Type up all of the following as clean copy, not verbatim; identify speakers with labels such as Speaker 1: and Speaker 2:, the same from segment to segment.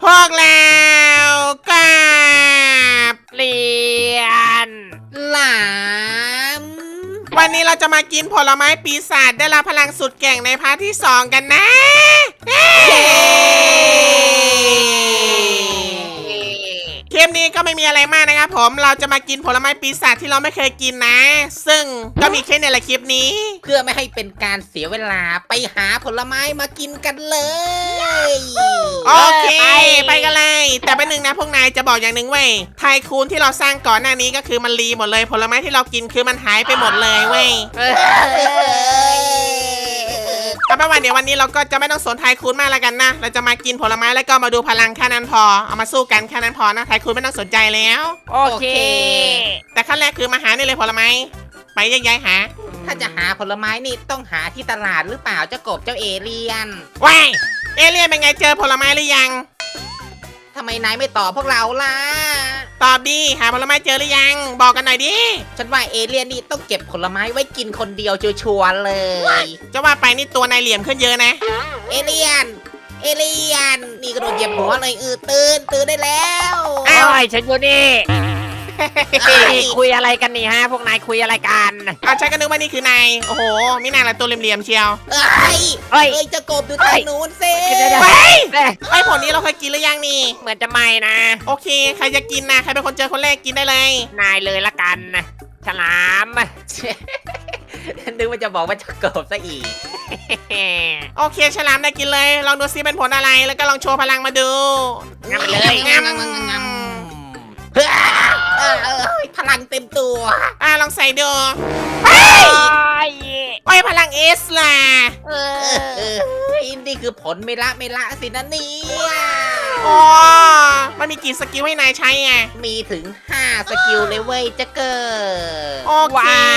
Speaker 1: พวกเรากับ
Speaker 2: เรียน
Speaker 3: หลาม
Speaker 1: วันนี้เราจะมากินผลไม้ปีศาจได้รับพลังสุดเก่งในพาร์ทที่2กันนะคลิปนี้ก็ไม่มีอะไรมากนะครับผมเราจะมากินผลไม้ปีศาจที่เราไม่เคยกินนะซึ่งก็มีแค่ในละคลิปนี้
Speaker 3: เพื่อไม่ให้เป็นการเสียเวลาไปหาผลไม้มากินกันเลย
Speaker 1: โอเคไปกันเลยแต่เป็นหนึ่งนะพวกนายจะบอกอย่างหนึ่งเว้ยไทคูนที่เราสร้างก่อนหน้านี้ก็คือมันรีหมดเลยผลไม้ที่เรากินคือมันหายไปหมดเลยเว้ยเอาเป็นว่าเดี๋ยววันนี้เราก็จะไม่ต้องสนไทคูนมากแล้วกันนะเราจะมากินผลไม้แล้วก็มาดูพลังแค่นั้นพอเอามาสู้กันแค่นั้นพอนะไทคูนไม่ต้องสนใจแล้ว
Speaker 2: โอเค
Speaker 1: แต่ขั้นแรกคือมาหานี่เลยผลไม้ไปแยกย้ายหา
Speaker 3: ถ้าจะหาผลไม้นี่ต้องหาที่ตลาดหรือเปล่าเจ้ากบเจ้าเอเลียน
Speaker 1: ว้ายเอเลี่ยนเป็นไงเจอผลไม้หรือยัง
Speaker 3: ทำไมนายไม่ตอบพวกเราล่ะ
Speaker 1: ตอบดีหาผลไม้เจอหรือยังบอกกันหน่อยดิ
Speaker 3: ฉันว่าเอเลียนนี่ต้องเก็บผลไม้ไว้กินคนเดียวชัวร์ๆเลย
Speaker 1: จะว่าไปนี่ตัวนายเหลี่ยมขึ้นเยอะนะ
Speaker 3: เอเลียน เอเลียน นี่กระโดดเหยียบหัวเลยตื่นได้แล้ว
Speaker 2: โอ้ยฉันอยู่นี่คุยอะไรกันนี่ฮะพวกนายคุยอะไรกัน
Speaker 1: เอาใช้กันนึกว่านี่คือนายโอ้โหมิน่าละตัวเหลี่ยมๆเชียว
Speaker 3: เอ้ย
Speaker 2: เฮ้ย
Speaker 3: เจ้ากบดูทางนู้นสิ
Speaker 1: เฮ้ย
Speaker 2: เอ้ย
Speaker 1: ไอ้ผลนี้เราเคยกินหรือยังนี่
Speaker 2: เหมือนจะไม่นะ
Speaker 1: โอเคใครจะกินนะใครเป็นคนเจอคนแรกกินได้เลย
Speaker 2: นายเลยละกันฉลาม
Speaker 3: นึกว่าจะบอกว่าเจ้ากบซะอีก
Speaker 1: โอเคฉลามได้กินเลยลองดูซิเป็นผลอะไรแล้วก็ลองโชว์พลังมาดู
Speaker 2: งั้นไปเลย
Speaker 1: งั้น
Speaker 3: เฮ้ยพลังเต็มตัว
Speaker 1: ลองใส่ดู
Speaker 2: โอ้ย
Speaker 1: โอ้ยพลังเอสล่ะ
Speaker 2: เอ
Speaker 3: เอ
Speaker 2: อ
Speaker 3: อนี่คือผลไม่ละสินะเนี่ย
Speaker 1: อ๋อมันมีกี่สกิลให้นายใช้ไง
Speaker 3: มีถึง5สกิลเลยเว้ยเจ้าเกิด
Speaker 1: โอเค
Speaker 2: ว้าว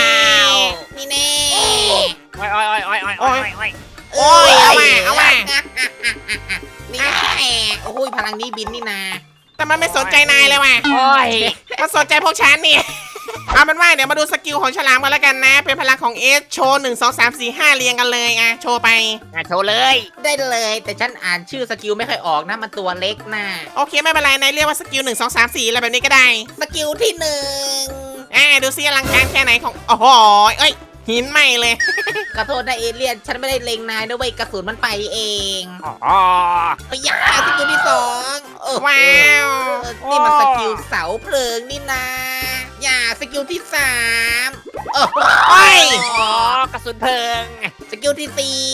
Speaker 3: นี่แน่
Speaker 2: โอ้ยโอ้ยโอ้ยโอ้ยโอ้ยโอ้ย
Speaker 1: โอ้ยเอามา
Speaker 3: นี่แน่โอ้ยพลังนี้บินนี่นา
Speaker 1: แต่มันไม่สนใจนายเลยว่ะ
Speaker 2: โอ้ย
Speaker 1: มันสนใจพวกฉันนี่ เอาเป็นว่าเดี๋ยวมาดูสกิลของฉลามกันแล้วกันนะ เป็นพลังของเอสโชว์1 2 3 4 5เรียงกันเลยโชว์ไป
Speaker 2: โชว์เลย
Speaker 3: ได้เลยแต่ฉันอ่านชื่อสกิลไม่ค่อยออกนะมันตัวเล็กนะ
Speaker 1: โอเคไม่เป็นไรนายเรียกว่าสกิล1 2 3 4อะไรแบบนี้ก็ได้
Speaker 3: สกิลที่
Speaker 1: ดูซิอลังการแค่ไหนของโอ้โหเอ้ยหินใหม่เลย
Speaker 3: 1ขอโทษนะเอเลียนฉันไม่ได้เล็งนายนะเว้ยกระสุนมันไปเอง
Speaker 2: อ๋อ
Speaker 3: เฮ้ยสกิลที่2
Speaker 1: ว้าว
Speaker 3: นี่มันสกิลเสาเพลิงนี่นะสกิลที่3
Speaker 1: โอ้ย
Speaker 2: อ๋อกระสุนเพลิง
Speaker 3: สกิลที่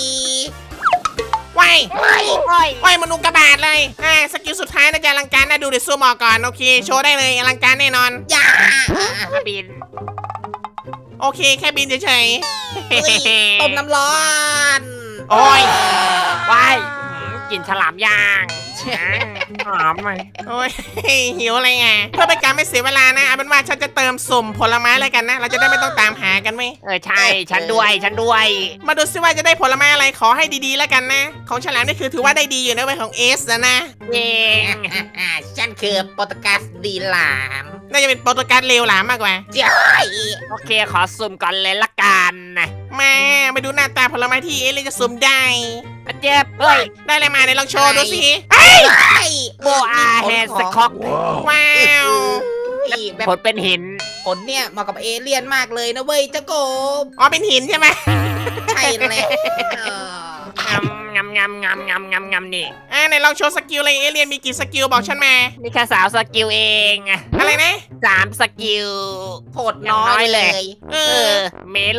Speaker 1: ว้าย
Speaker 2: โอ้ย
Speaker 1: ว้ายมนุษย์กระบาดเลยสกิลสุดท้ายน่าจะอลังการน่าดูเดี๋ยวซูมออกก่อนโอเคโชว์ได้เลยอลังการแน่นอน
Speaker 2: บิน
Speaker 1: โอเคแค่บินเฉย
Speaker 3: ต้มน้ำร้อน
Speaker 1: ๆโอ้ย
Speaker 2: ว้ายกินฉลามย่างหอมไหม
Speaker 1: โอ้ย หิวอะไรไงเพื่อเป็นการไม่เสียเวลานะเอาเป็นว่าฉันจะเติมสุ่มผลไม้อะไรกันนะเราจะได้ไม่ต้องตามหากันไหม
Speaker 2: ใช่ฉันด้วย
Speaker 1: มาดูซิว่าจะได้ผลไม้อะไรขอให้ดีๆแล้วกันนะของฉลามนี่คือถือว่าได้ดีอยู่นะเว้ยของเอสนะ
Speaker 2: เอง
Speaker 3: ฉันคือโปรตุเกสดีหลาม
Speaker 1: น่าจะเป็นโปรตุเกสเลวหลามมากกว่า
Speaker 3: เจ้ย
Speaker 2: โอเคขอสุ่มก่อนเลยละกันนะ
Speaker 1: มาไปดูหน้าตาผลไม้ที่เอสเลยจะสุ่มได้
Speaker 2: เจ็บเฮ้ย
Speaker 1: ได้อะไรมาเดี๋ยวลองโชว์ดูสิ
Speaker 2: โบอาแฮนสค็อก
Speaker 1: ว้าว
Speaker 3: แบบ
Speaker 2: ผลเป็นหิน
Speaker 3: ผลเนี่ยเหมาะกับเอเลี่ยนมากเลยนะเว้ยเจ้ากบ
Speaker 1: อ๋อเป็นหินใช่ไหม
Speaker 3: ใช่เลย
Speaker 2: งำนี่
Speaker 1: ไหนลองโชว์สกิลเลยเอเลียนมีกี่สกิลบอกฉันมา
Speaker 2: นี่แค่สาวสกิลเอง
Speaker 1: อะไรนะ
Speaker 2: 3สกิล
Speaker 3: โหดน้อยเลย
Speaker 1: เอ
Speaker 2: เอ
Speaker 1: อ
Speaker 2: อเมโล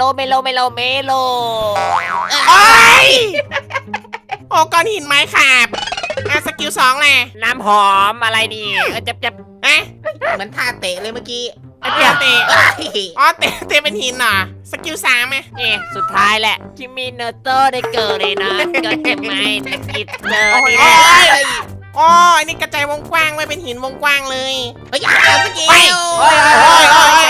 Speaker 1: โอ้ยโอ้ก้อนหินไม้ขาบสกิล2แหละ
Speaker 2: น้ำหอมอะไรนี่เจ็บ
Speaker 3: เหมือนท่าเตะเลยเมื่อกี้
Speaker 1: เตะเตะอ๋อเตะเป็นหินเหรอสกิล3ไหม
Speaker 2: สุดท้ายแหละคิมิโนโตะได้เกิดเลยนะเกิดเจ็บไหมตะกิดเจอ
Speaker 1: โอ้ย
Speaker 2: นี่แหละ
Speaker 1: อ๋ออันนี้กระจายวงกว้างไว้เป็นหินวงกว้างเลย
Speaker 3: เฮ้ยสกิล
Speaker 1: โอ้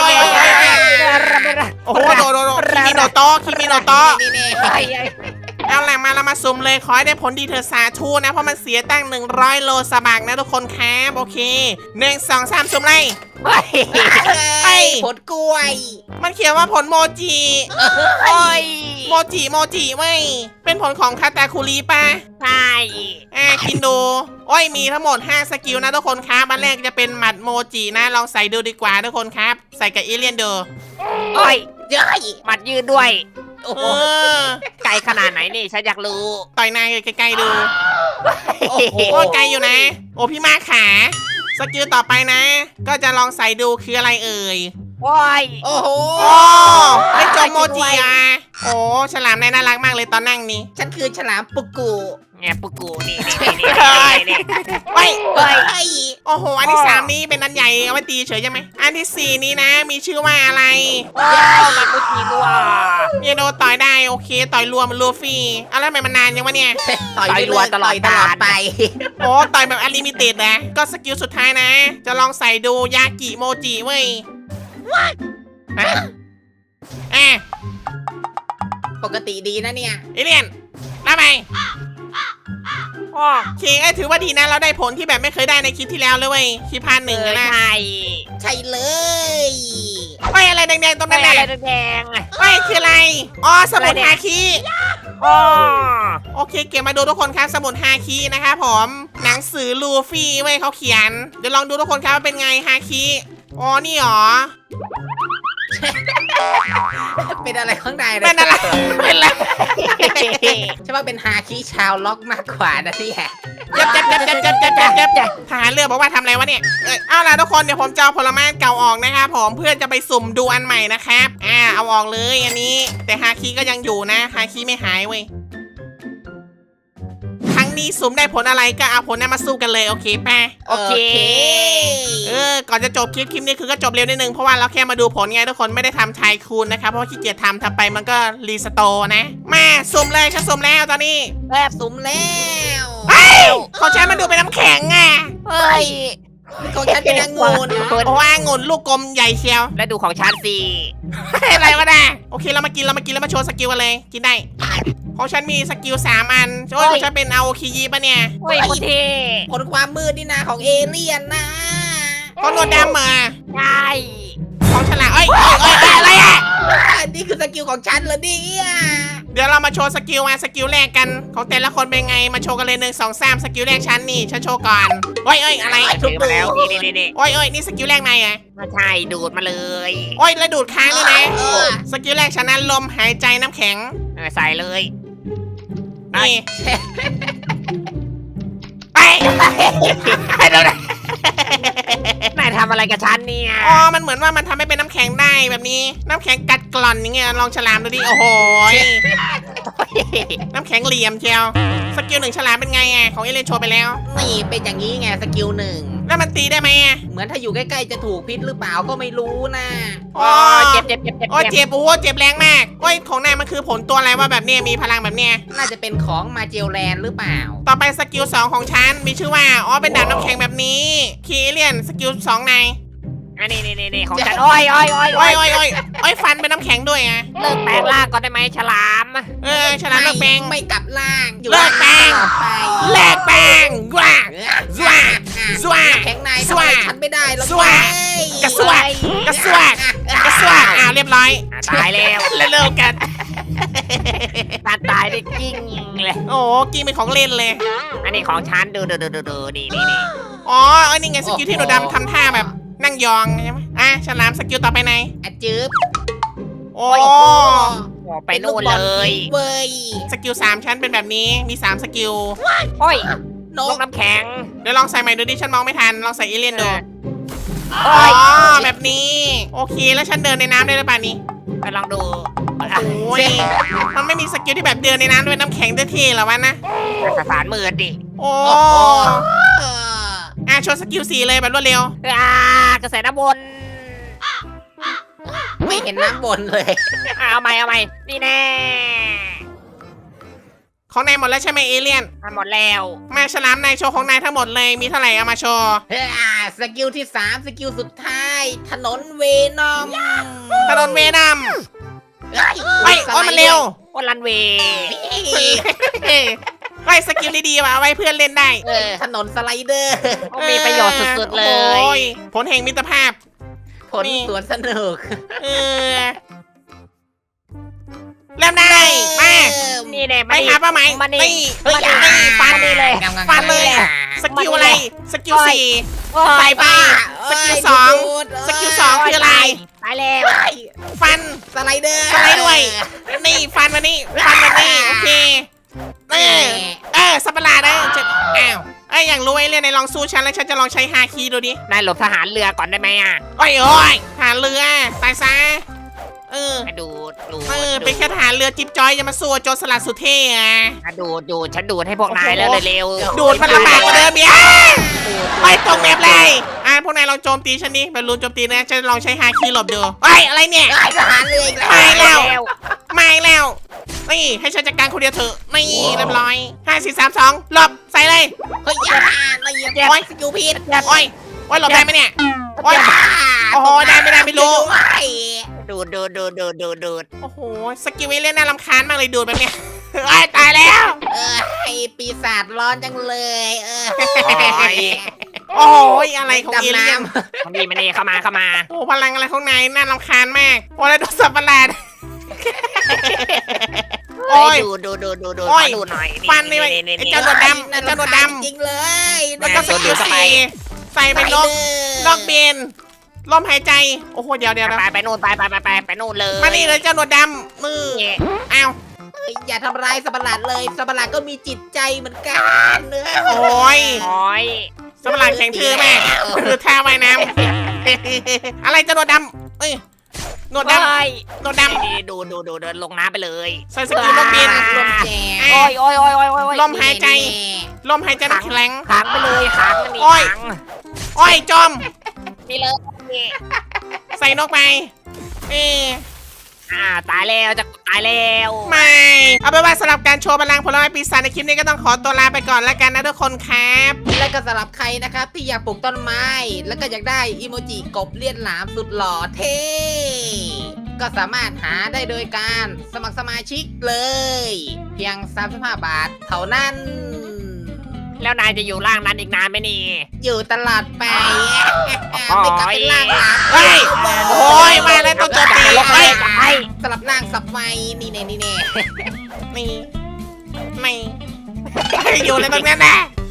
Speaker 1: ยโอ้โหโดคิมิโนโตะ
Speaker 3: นี่แน่
Speaker 1: เอาล่ะมาเรามาสุ่มเลยขอให้ได้ผลดีเธอสาธุนะเพราะมันเสียตั้ง100 โลสบักนะทุกคนครับโอเค1 2 3สุ่มเลย
Speaker 2: เฮ้ย
Speaker 3: เฮ้ยผลกล้วย
Speaker 1: มันเขียนว่าผลโมจิ
Speaker 2: โอ้ย
Speaker 1: โมจิเว้ยเป็นผลของคาตาคุรีปะ
Speaker 2: ใช่
Speaker 1: กินดูโอ้ยมีทั้งหมด5สกิลนะทุกคนครับอันแรกจะเป็นหมัดโมจินะลองใส่ดูดีกว่าทุกคนครับใส่กับเอเลี่ยนดู
Speaker 2: โอ้ย
Speaker 3: เย้ย
Speaker 2: หมัดยืดด้วย
Speaker 3: โอ้
Speaker 1: เอ
Speaker 3: โห
Speaker 1: อ
Speaker 2: ไกลขนาดไหนนี่ฉันอยากรู้
Speaker 1: ต่อยนายใกล้ๆดู
Speaker 3: โอ้โห
Speaker 1: โอ้ไกลอยู่นะ โอ้พี่มาขาสกิลต่อไปนะ ก็จะลองใส่ดูคืออะไรเอ่ย
Speaker 2: โอ้ย
Speaker 3: โอ้โห
Speaker 1: โอ้ได้จมโมจิอ่ะโอ้ฉลามนายน่ารักมากเลยตอนนั่งนี่
Speaker 3: ฉันคือฉลามปุกกุ
Speaker 2: แงปุกูนี่
Speaker 1: เฮ้ย
Speaker 3: เฮ้ย
Speaker 1: โอ้โหอันที่3นี้เป็นอันใหญ่เอาไว้ตีเฉยใช่ไหมอันที่4นี้นะ มีชื่อว่าอะไร
Speaker 2: โอ้มันมุจีบัว
Speaker 1: เยโดต่อยได้โอเค ต่อยรวมมันลูฟี่เอาแล้วทำไมมันนานยังวะเนี่ย
Speaker 3: ต่อยไปเลยต่อยตลอดไป
Speaker 1: โอ้ต่อยแบบอลิมิเต็ดนะก็สกิลสุดท้ายนะ จะลองใส่ดูยากิโมจิเว้ยอ่ะ
Speaker 3: ปกติดีนะเนี่ย
Speaker 1: เอเลียนรับไป
Speaker 2: โอ้
Speaker 1: โอเคถือว่าดีนะเราได้ผลที่แบบไม่เคยได้ในคลิปที่แล้วเลยเว้ยคลิปพันหนึ่งอะนะ
Speaker 2: ใช่
Speaker 3: ใช่เลย
Speaker 1: เฮ้ยอะไรแดงๆตรงนั้น
Speaker 2: อะไร
Speaker 1: น่ะ
Speaker 2: แดง
Speaker 1: เฮ้ยคืออะไรอ๋อสมุดฮาคิ
Speaker 2: โอ้
Speaker 1: โอเคเก็บมาดูทุกคนครับสมุดฮาคินะครับผมหนังสือลูฟี่เว้ยเขาเขียนเดี๋ยวลองดูทุกคนครับว่าเป็นไงฮาคิอ๋อนี่หรอ
Speaker 3: เป็นอะไรข้างในเลย
Speaker 1: เป็นอะไรเป็นอะไร
Speaker 3: ฉันว่าเป็นฮาคิชาวล็อกมากกว่านะเนี่ย
Speaker 1: จับทหารเรือบอกว่าทำอะไรวะเนี่ยเอาล่ะทุกคนเดี๋ยวผมจะเอาผลไม้เก่าออกนะครับผมเพื่อจะไปสุ่มดูอันใหม่นะครับเอาออกเลยอันนี้แต่ฮาคิก็ยังอยู่นะฮาคิไม่หายเว้ยครั้งนี้สุ่มได้ผลอะไรก็เอาผลนั้นมาสู้กันเลยโอเคป่ะ
Speaker 2: โอเค
Speaker 1: ก่อนจะจบคลิปนี้คือก็จบเร็วนิดนึงเพราะว่าเราแค่มาดูผลไงทุกคนไม่ได้ทำไทยคูณนะครับเพราะว่าขี้เกียจทำไปมันก็รีสโตร์นะมาสุ่มเลยฉันสุ่มแล้วตอนนี้
Speaker 3: แบบสุ่มแล้ว
Speaker 1: เฮ้ยของฉันมันดูเป็นน้ำแข็งอ่ะ
Speaker 2: เฮ้ย
Speaker 3: ของฉันเป็นองุ่น
Speaker 1: โอ้องุ่นลูกกลมใหญ่เชียว
Speaker 2: แล้วดูของฉันสิ
Speaker 1: อะไรวะน่ะโอเคเรามากินแล้วมาโชว์สกิลกันเลยกินได้ของฉันมีสกิล3 อันโอ้ยของฉันเป็นอาโอคิยิปะเนี่ย
Speaker 2: เฮ้ยคนเท่
Speaker 3: ผลความมืดนี่นาของเอเลี่ยนนะ
Speaker 1: ของหนวดดำมา
Speaker 2: ใช่
Speaker 1: ของฉลามเอ้ยอะไรอ่ะ
Speaker 3: อันนี้คือสกิลของฉันเหรอเนี่ย
Speaker 1: เดี๋ยวเรามาโชว์สกิลสกิลแรกกันของแต่ละคนเป็นไงมาโชว์กันเลย1 2 3สกิลแรกฉันนี่ฉันโชว์ก่อนโอ้ยอะไร
Speaker 2: ถือมาแล้วนี่
Speaker 1: โอ้ยนี่สกิลแรกนายอ่ะ
Speaker 2: มาใช่ดูดมาเลย
Speaker 1: โอ้ยแล้วดูดค้างด้วยนะ
Speaker 3: เออ
Speaker 1: สกิลแรกฉันนั้นลมหายใจน้ำแข็ง
Speaker 2: ใส่เลย
Speaker 1: นี่ไปเดี๋ยวนะ
Speaker 2: นายทำอะไรกับฉันเนี่ย
Speaker 1: อ๋อมันเหมือนว่ามันทำให้เป็นน้ำแข็งได้แบบนี้ น้ำแข็งกัดกร่อนอย่างเงี้ยลองฉลามดูดิโอ้โหน้ำแข็งเหลี่ยมเชียวสกิล1ฉลามเป็นไงของเอเลนโชว์ไปแล้ว
Speaker 3: นี่เป็นอย่างนี้ไงสกิลหนึ่ง
Speaker 1: แล้วมันตีได้ไหม
Speaker 3: เหมือนถ้าอยู่ใกล้ๆจะถูกพิษหรือเปล่าก็ไม่รู้นะ
Speaker 1: อ๋อ
Speaker 2: เจ็บ
Speaker 1: โอ้ยเจ็บโอ้โหเจ็บแรงมากโอ้ยของนายมันคือผลตัวอะไรว่าแบบเนี้ยมีพลังแบบเนี้ย
Speaker 3: น่าจะเป็นของมาเจลแลนด์หรือเปล่า
Speaker 1: ต่อไปสกิล2ของฉันมีชื่อว่าอ๋อเป็นดาบน้ำแข็งแบบนี้คีเลียนสกิล2นาย
Speaker 2: อันนี้ของฉันโอ้ย
Speaker 1: โอ้ยฟันเป็นน้ำแข็งด้วยอ่ะ
Speaker 2: เลิกแปลงร่างก่อนได้ไหมฉลาม
Speaker 1: ฉลามเลิกแปลง
Speaker 3: ไม่กลับล่างอยู่
Speaker 1: เลิกแปลง
Speaker 3: ไป
Speaker 1: เลิกแปลงกว่า สวะสวะ
Speaker 3: แข็งใน
Speaker 1: ส
Speaker 3: ทำ
Speaker 1: วะ
Speaker 3: ไมฉันไม่ได้หรอก
Speaker 1: สวะ กระสวกกระสวกกระสวกเรียบร้อย
Speaker 2: ตายแล้ว
Speaker 1: เร็วๆกัน
Speaker 2: ตายได้กิ้งเลย
Speaker 1: โอ้กินเป็นของเล่นเลย
Speaker 2: อันนี้ของฉันดูนี่
Speaker 1: อ๋อนี่ไงสกิลที่หนูดำทำท่าแบบนั่งยองใช่ไหมฉลามสกิลต่อไปไหน
Speaker 3: อะจืบ
Speaker 1: โอ้
Speaker 2: ไปนู่นเลย
Speaker 3: เว้ย
Speaker 1: สกิล3ชั้นเป็นแบบนี้มี3สกิล
Speaker 2: โอ้ย
Speaker 3: น
Speaker 2: ลู
Speaker 3: ก
Speaker 2: กน้ำแข็ง
Speaker 1: เดี๋ยวลองใส่ใหม่ดูดิฉันมองไม่ทันลองใส่เอเลี่ยนดู
Speaker 2: โอ้ย
Speaker 1: แบบนี้โอเคแล้วฉันเดินในน้ำได้หรือเปล่านี่
Speaker 2: ไปลองดู
Speaker 1: โอ้ยมันไม่มีสกิลที่แบบเดินในน้ำด้วยน้ำแข็งเท่ๆหรอวะนะ
Speaker 2: สสารมือดิ
Speaker 1: โอ้
Speaker 3: เออ
Speaker 1: โชว์สกิล4เลยแบบรวดเร็ว
Speaker 2: กระแสน้ำวน
Speaker 3: ไม่เห็นน้ำบนเลย
Speaker 2: เอาใหม่นี่แน่
Speaker 1: ของนายหมดแล้วใช่ไหมเอเลี่ยน
Speaker 2: หมดแล้ว
Speaker 1: มาฉลามนายโชว์ของนายทั้งหมดเลยมีเท่าไหร่เอามาโชว์
Speaker 3: สกิลที่3สกิลสุดท้าย ถนนเวนอม
Speaker 1: ถนนเวนัมเฮ้ยโอ้ยมันเร็ว
Speaker 2: โอ้รันเวย์
Speaker 1: ไอ้สกิลดีๆว่ะเอาไว้เพื่อนเล่นได้
Speaker 3: ถนนสไลเดอร์
Speaker 2: โอ้มีประโยชน์สุดๆเล
Speaker 1: โอ้
Speaker 2: ย
Speaker 1: ผลแห่งมิตรภาพ
Speaker 3: ผลสวนสนุก
Speaker 1: เออเริ่มได้มา
Speaker 2: นี่แน่
Speaker 1: ไปหาเป้าหมาย
Speaker 2: มานี่
Speaker 1: นี่เฮ้ยนี่ฟัน
Speaker 2: นี่เลย
Speaker 1: ฟันเลย สกิลอะไร สกิลสี่
Speaker 2: โอ้
Speaker 1: ใส่
Speaker 2: ย
Speaker 1: ไป สกิลสอง สกิลสองคืออะไร
Speaker 2: ตายแล้ว
Speaker 1: ฟัน
Speaker 3: สไลเดอร์
Speaker 1: สไลด์ด้วย นี่ฟันมานี่ฟันมานี่โอเคสัตว์ประหลาดนะจะอ้าวอยากรู้ไอ้เรื่องในลองสู้ฉันแล้วฉันจะลองใช้ฮาคีดูดิ
Speaker 2: นายหลบทหารเรือก่อนได้ไหมอ่ะ
Speaker 1: โอ้ยหาเรือตายซะ
Speaker 2: ไปดูด
Speaker 1: เป็นแค่ทหารเรือจิ๊บจ้อยจะมาสู้โจรสลัดสุดเท่อะ
Speaker 2: ดูดฉันดูดให้พวกนายแล้วเร็ว
Speaker 1: ดูดมันลำบากกว่าเดิมอีกไปตกแมปเลยพวกนายลองโจมตีฉันนี่บอลลูนโจมตีนะฉันลองใช้ฮาคีหลบดูอะไรเนี่ย
Speaker 3: ทหารเรืออีกแล้ว
Speaker 1: ไม่แล้วไม่แล้วนี่ให้ฉันจัดการคนเดียวเถอะนี่เรียบร้อย5 4 3 2หลบใส่เลย
Speaker 3: เฮ้ยอย่าละเอียดโอ้ยสกิลผิด
Speaker 1: โอ้ยหลบได้ไหมเนี่ยโอ้ยโอ้โหได้ไม่รู้
Speaker 2: ดูด
Speaker 1: โอ้โหสกิลวิเล่นน่ารำคาญมากเลยดูดแบบเนี้ยตายแล้ว
Speaker 3: ไอปีศาจร้อนจังเลย
Speaker 1: โอ้ยอะไรของเอ
Speaker 3: ดำ
Speaker 1: เลี่ยน
Speaker 3: น้ำ
Speaker 2: มันนี่เข้ามา
Speaker 1: โอ้พลังอะไรของนายน่ารำคาญมากโอ้แล้วโดนสับประหลาดโอ้ย
Speaker 2: ดู
Speaker 1: โอ้ย
Speaker 2: ดูหน่อย
Speaker 1: ฟันนี่ไอ้เจ้าหนวดดำไอ้เจ้าหนวดด
Speaker 3: จริงเลย
Speaker 1: ำแล้วก็สกิลสี่ใส่เป็นนกเบนลมหายใจโอ้โหเดี๋ยว
Speaker 2: ไปนู่นไปนู่นเลย
Speaker 1: มานี่เลยเจ้าหนวดดำมืออ้าว
Speaker 3: อย่าทำร้ายสัตว์ประหลาดเลยสัตว์ประหลาดก็มีจิตใจเหมือนกัน
Speaker 1: โอ้ย
Speaker 2: โอ้ย
Speaker 1: สัตว์ประหลาดแข็งทื่อมากคือท่าว่ายน้ำอะไรเจ้าหนวดดำหนวดดำหนวดดำ
Speaker 2: นี่ดูเดินลงน้ำไปเลย
Speaker 1: ใส่สกิลนกบิน
Speaker 3: ลมแจก
Speaker 2: โอ้ย
Speaker 1: ลมหายใจลมหายใจน้ำแข็ง
Speaker 2: ขังไปเลยขังนี่
Speaker 1: โอ้ย
Speaker 2: ขัง
Speaker 1: โอ้ยจม
Speaker 2: นี่เลยนี่
Speaker 1: ใส่นกไป
Speaker 2: ตายแล้วจะตายแล้ว
Speaker 1: ไม่เอาเป็นว่าสำหรับการโชว์พลังผลไม้ปีศาจในคลิปนี้ก็ต้องขอตัวลาไปก่อนแล้วกันนะทุกคนครับ
Speaker 3: และก็สำหรับใครนะครับที่อยากปลูกต้นไม้ แล้วก็อยากได้อีโมจิกบเลียนหลามสุดหล่อเท่ก็สามารถหาได้โดยการสมัครสมาชิกเลย เพียง35 บาทเท่านั้น
Speaker 2: แล้วนายจะอยู่ล่างนั้นอีกนานไหมนี่
Speaker 3: อยู่ตลอดไปไม่กลับเป็นล่างหลาม
Speaker 1: เฮ้ยโอ้ยมาแล้วตัวโจมตี
Speaker 2: ลงไป
Speaker 1: เฮ้ย
Speaker 3: สลับล่างสับไฟนี่แน่
Speaker 1: นี่ไม่อยู่เลยตรงนั้นนะ